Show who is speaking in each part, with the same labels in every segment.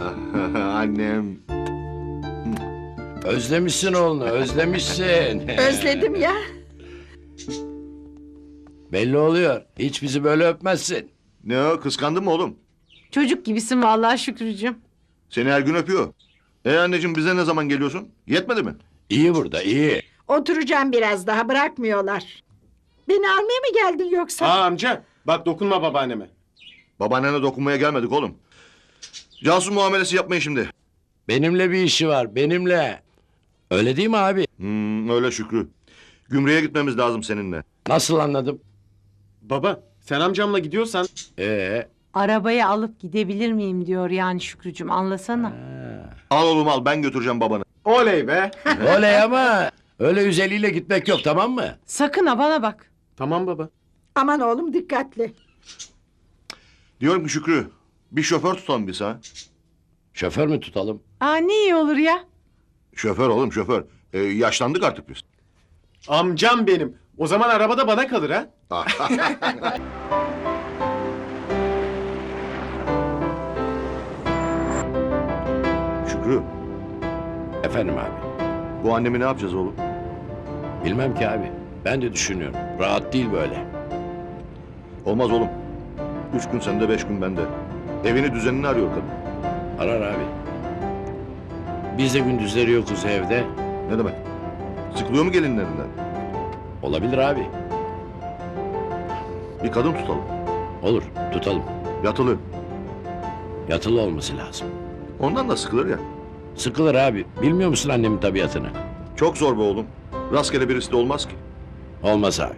Speaker 1: Annem.
Speaker 2: Özlemişsin oğlunu, özlemişsin.
Speaker 3: Özledim ya.
Speaker 2: Belli oluyor. Hiç bizi böyle öpmezsin.
Speaker 1: Ne o, kıskandın mı oğlum?
Speaker 4: Çocuk gibisin vallahi Şükrücüğüm.
Speaker 1: Seni her gün öpüyor. Anneciğim, bize ne zaman geliyorsun? Yetmedi mi?
Speaker 2: İyi burada, iyi.
Speaker 3: Oturacağım biraz daha, bırakmıyorlar. Beni almaya mı geldin yoksa?
Speaker 5: Amca bak dokunma babaanneme.
Speaker 1: Babaannene dokunmaya gelmedik oğlum. Casus muamelesi yapmayın şimdi.
Speaker 2: Benimle bir işi var, benimle. Öyle değil mi abi?
Speaker 1: Öyle Şükrü. Gümrüğe gitmemiz lazım seninle.
Speaker 2: Nasıl anladım?
Speaker 5: Baba sen amcamla gidiyorsan
Speaker 4: Arabayı alıp gidebilir miyim diyor yani Şükrücüğüm, anlasana.
Speaker 1: Al oğlum al, ben götüreceğim babanı.
Speaker 5: oley be.
Speaker 2: Oley ama öyle üzeliyle gitmek yok, tamam mı?
Speaker 4: Sakın ha, bana bak.
Speaker 5: Tamam baba.
Speaker 3: Aman oğlum, dikkatli.
Speaker 1: Diyorum ki Şükrü, bir şoför tutalım biz ha.
Speaker 2: Şoför mü tutalım?
Speaker 4: Aa, ne iyi olur ya.
Speaker 1: Şoför oğlum, şoför. Yaşlandık artık biz.
Speaker 5: Amcam benim. O zaman arabada bana kalır ha.
Speaker 1: Şükrü,
Speaker 2: Efendim abi.
Speaker 1: bu annemi ne yapacağız oğlum?
Speaker 2: Bilmem ki abi. Ben de düşünüyorum. Rahat değil böyle.
Speaker 1: Olmaz oğlum. 3 gün sende, 5 gün bende. Evini düzenini arıyor kadın.
Speaker 2: Arar abi. Biz de gündüzleri yokuz evde.
Speaker 1: Ne demek? Sıkılıyor mu gelinlerinden?
Speaker 2: Olabilir abi.
Speaker 1: Bir kadın tutalım.
Speaker 2: Olur, tutalım.
Speaker 1: Yatılı.
Speaker 2: Yatılı olması lazım.
Speaker 1: Ondan da sıkılır ya.
Speaker 2: Sıkılır abi. Bilmiyor musun annemin tabiatını?
Speaker 1: Çok zor be oğlum. Rastgele birisi de olmaz ki.
Speaker 2: Olmaz abi.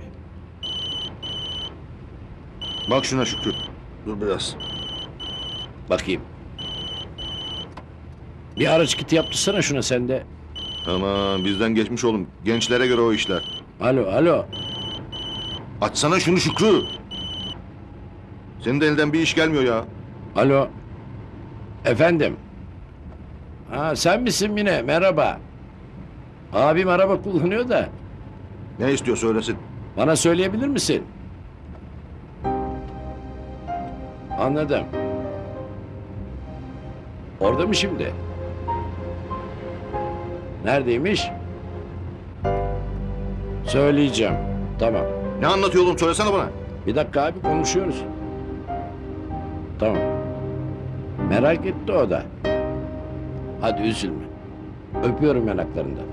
Speaker 1: Bak şuna Şükrü. Dur biraz.
Speaker 2: Bakayım. Bir araç kiti yaptırsana şuna sen de.
Speaker 1: Aman bizden geçmiş oğlum. Gençlere göre o işler.
Speaker 2: Alo, alo.
Speaker 1: Açsana şunu Şükrü. Senin de elinden bir iş gelmiyor ya.
Speaker 2: Alo. Efendim. Ha, sen misin Mine? Merhaba. Abim araba kullanıyor da.
Speaker 1: Ne istiyor söylesin.
Speaker 2: Bana söyleyebilir misin? Anladım. Orada mı şimdi? Neredeymiş? Söyleyeceğim. Tamam.
Speaker 1: Ne anlatıyor oğlum, söylesene bana.
Speaker 2: Bir dakika abi, konuşuyoruz. Tamam. Merak etti o da. Hadi üzülme. Öpüyorum yanaklarından.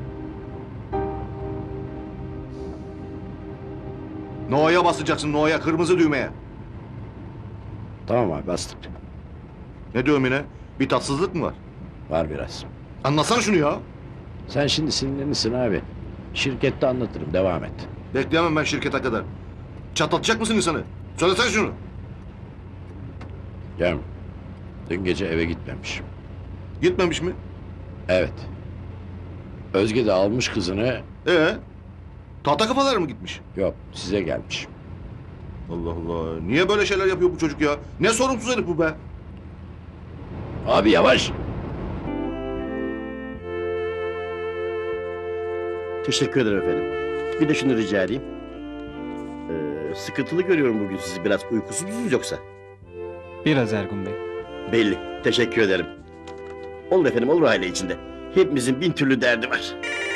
Speaker 1: No'ya basacaksın, No'ya, kırmızı düğmeye.
Speaker 2: Tamam abi, bastık.
Speaker 1: Ne diyorum yine? Bir tatsızlık mı var?
Speaker 2: Var biraz.
Speaker 1: Anlatsana şunu ya.
Speaker 2: Sen şimdi sinirlenirsin abi. Şirkette anlatırım, devam et.
Speaker 1: Bekleyemem ben şirkete kadar. Çatlatacak mısın insanı? Söylesene şunu.
Speaker 2: Cem, dün gece eve gitmemiş.
Speaker 1: Gitmemiş mi?
Speaker 2: Evet. Özge de almış kızını.
Speaker 1: Tahta kafalar mı gitmiş?
Speaker 2: Yok, size gelmiş.
Speaker 1: Allah Allah. Niye böyle şeyler yapıyor bu çocuk ya? Ne sorumsuz herif bu be?
Speaker 2: Abi yavaş.
Speaker 6: Teşekkür ederim efendim. Bir de şunu rica edeyim. Sıkıntılı görüyorum bugün sizi. Biraz uykusuz musunuz yoksa?
Speaker 7: Biraz Ergun Bey.
Speaker 6: Belli. Teşekkür ederim. Olur efendim, olur aile içinde. Hepimizin bin türlü derdi var.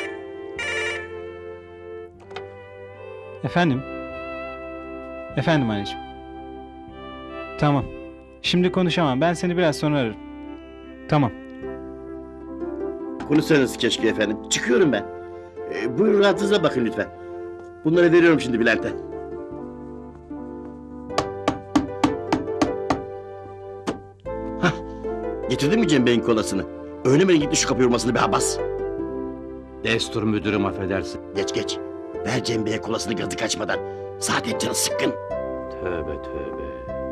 Speaker 7: Efendim? Efendim anneciğim. Tamam. Şimdi konuşamam. Ben seni biraz sonra ararım. Tamam.
Speaker 6: Konuşsanız keşke efendim. Çıkıyorum ben. Buyurun rahatınıza bakın lütfen. Bunları veriyorum şimdi Bülent'e. Hah. Getirdin mi Cem Bey'in kolasını? Öyle mi gitti şu kapı yormasını be Abbas?
Speaker 8: Destur müdürüm, affedersin.
Speaker 6: Geç geç. Ver Cem Bey'e kolasını gazı kaçmadan. Zaten canı sıkkın.
Speaker 8: Tövbe tövbe.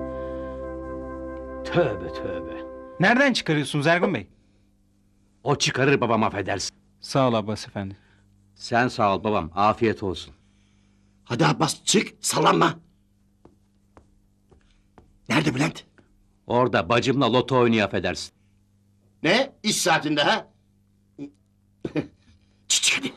Speaker 8: Tövbe tövbe.
Speaker 7: Nereden çıkarıyorsunuz Ergun Bey?
Speaker 8: O çıkarır babam, affedersin.
Speaker 7: Sağ ol Abbas efendi.
Speaker 8: Sen sağ ol babam, afiyet olsun.
Speaker 6: Hadi Abbas çık, sallanma. Nerede Bülent?
Speaker 8: Orada bacımla loto oynuyor, affedersin.
Speaker 6: Ne? İş saatinde ha? Çık hadi.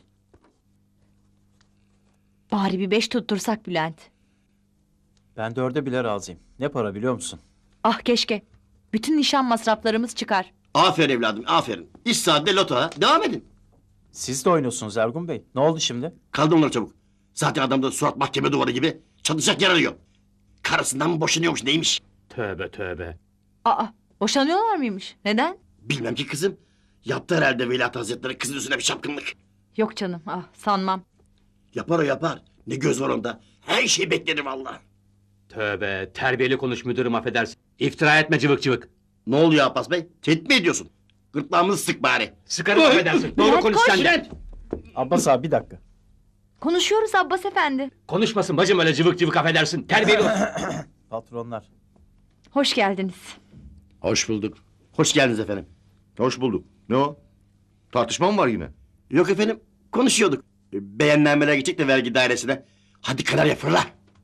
Speaker 9: Bari bir 5 tuttursak Bülent.
Speaker 10: Ben 4'e bile razıyım. Ne para biliyor musun?
Speaker 9: Ah keşke. Bütün nişan masraflarımız çıkar.
Speaker 6: Aferin evladım, aferin. İş saatinde loto ha. Devam edin.
Speaker 10: Siz de oynuyorsunuz Ergun Bey. Ne oldu şimdi?
Speaker 6: Kaldır onları çabuk. Zaten adamda surat mahkeme duvarı gibi çatacak yer arıyor. Karısından mı boşanıyormuş neymiş?
Speaker 8: Tövbe tövbe.
Speaker 9: Aa, boşanıyorlar mıymış? Neden?
Speaker 6: Bilmem ki kızım. Yaptı herhalde Veliaht Hazretleri kızın üstüne bir çapkınlık.
Speaker 9: Yok canım, ah sanmam.
Speaker 6: Yapar o yapar. Ne göz var onda. Her şey beklenir vallahi.
Speaker 8: Tövbe. Terbiyeli konuş müdürüm affedersin. İftira etme cıvık cıvık.
Speaker 6: Ne oluyor Abbas Bey? Tehdit mi ediyorsun? Gırtlağımızı sık bari.
Speaker 8: Sıkarım affedersin. Doğru
Speaker 9: Bülent,
Speaker 8: konuş
Speaker 9: koş.
Speaker 8: sen de.
Speaker 6: Bülent!
Speaker 10: Abbas abi bir dakika.
Speaker 9: Konuşuyoruz Abbas efendi.
Speaker 8: Konuşmasın bacım öyle cıvık cıvık affedersin. Terbiyeli ol.
Speaker 10: Patronlar.
Speaker 9: Hoş geldiniz.
Speaker 2: Hoş bulduk.
Speaker 6: Hoş geldiniz efendim.
Speaker 1: Hoş bulduk. Ne o? Tartışma mı var yine?
Speaker 6: Yok efendim, konuşuyorduk. Beğenlenmeler gidecek de vergi dairesine. Hadi kanarya fırla.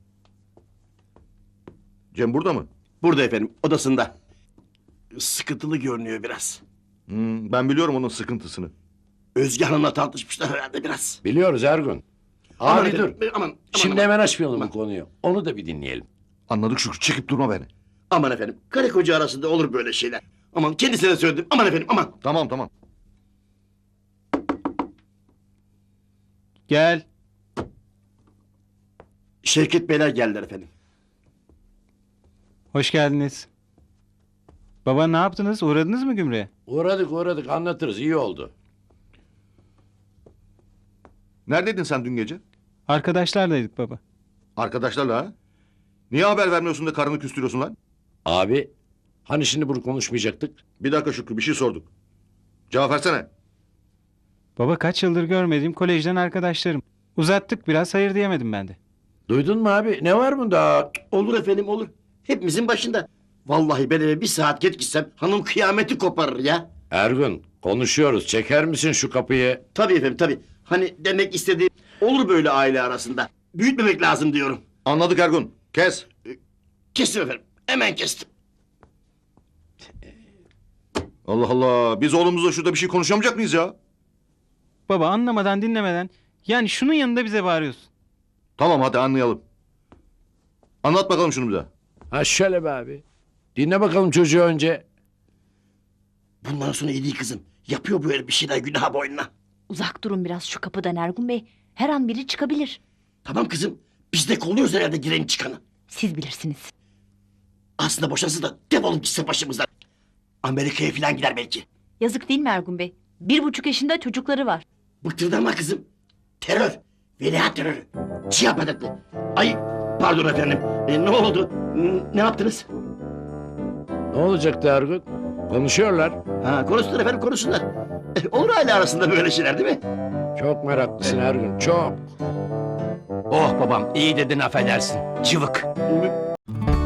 Speaker 1: Cem burada mı?
Speaker 6: Burada efendim, odasında. Sıkıntılı görünüyor biraz.
Speaker 1: Ben biliyorum onun sıkıntısını.
Speaker 6: Özge Hanım'la tartışmışlar herhalde biraz.
Speaker 2: Biliyoruz Ergun.
Speaker 6: Aman
Speaker 2: Abi dur.
Speaker 6: efendim, aman,
Speaker 2: Şimdi
Speaker 6: aman,
Speaker 2: hemen açmayalım
Speaker 6: Aman.
Speaker 2: bu konuyu. Onu da bir dinleyelim.
Speaker 1: Anladık Şükrü. Çekip durma beni.
Speaker 6: aman efendim, karı koca arasında olur böyle şeyler. Aman kendisine de söyledim, aman efendim, aman.
Speaker 1: Tamam tamam.
Speaker 7: Gel.
Speaker 6: Şevket Beyler geldiler efendim.
Speaker 7: Hoş geldiniz. Baba ne yaptınız? Uğradınız mı Gümrüğe?
Speaker 2: Uğradık anlatırız. İyi oldu.
Speaker 1: Neredeydin sen dün gece?
Speaker 7: Arkadaşlardaydık baba.
Speaker 1: Arkadaşlarla ha? Niye haber vermiyorsun da karını küstürüyorsun lan?
Speaker 2: Abi hani şimdi bunu konuşmayacaktık?
Speaker 1: Bir dakika Şükrü bir şey sorduk. Cevap versene.
Speaker 7: Baba kaç yıldır görmediğim kolejden arkadaşlarım. Uzattık biraz hayır diyemedim ben de.
Speaker 2: Duydun mu abi? Ne var bunda?
Speaker 6: Olur efendim, olur. Hepimizin başında. Vallahi ben eve bir saat geç gitsem hanım kıyameti koparır ya.
Speaker 2: Ergun konuşuyoruz. Çeker misin şu kapıyı?
Speaker 6: Tabii efendim, tabii. Hani demek istediğim olur böyle aile arasında. Büyütmemek lazım diyorum.
Speaker 1: Anladık Ergun. Kes.
Speaker 6: Kestim efendim, hemen kestim.
Speaker 1: Allah Allah. Biz oğlumuzla şurada bir şey konuşamayacak mıyız ya?
Speaker 7: Baba anlamadan dinlemeden yani şunun yanında bize bağırıyorsun.
Speaker 1: Tamam hadi anlayalım. Anlat bakalım şunu bir daha.
Speaker 2: Ha şöyle be abi. Dinle bakalım çocuğu önce.
Speaker 6: Bundan sonra iyi değil kızım. Yapıyor böyle bir şeyler günah boynuna.
Speaker 9: Uzak durun biraz şu kapıdan Ergun Bey. Her an biri çıkabilir.
Speaker 6: Tamam kızım. Biz de kolluyoruz herhalde gireni çıkanı.
Speaker 9: Siz bilirsiniz.
Speaker 6: Aslında boşansın da defolup gitse başımızdan. Amerika'ya falan gider belki.
Speaker 9: Yazık değil mi Ergun Bey? 1,5 yaşında çocukları var.
Speaker 6: Bıktırdama kızım. Terör. Veliaht terörü. Siyah patatlı. Ay pardon efendim. Ne oldu? Ne yaptınız?
Speaker 2: Ne olacaktı Ergun? Konuşuyorlar.
Speaker 6: Ha, konuşsunlar efendim konuşsunlar. Olur aile arasında böyle şeyler değil mi?
Speaker 2: Çok meraklısın Ergun. Çok.
Speaker 8: Oh babam iyi dedin affedersin. Cıvık.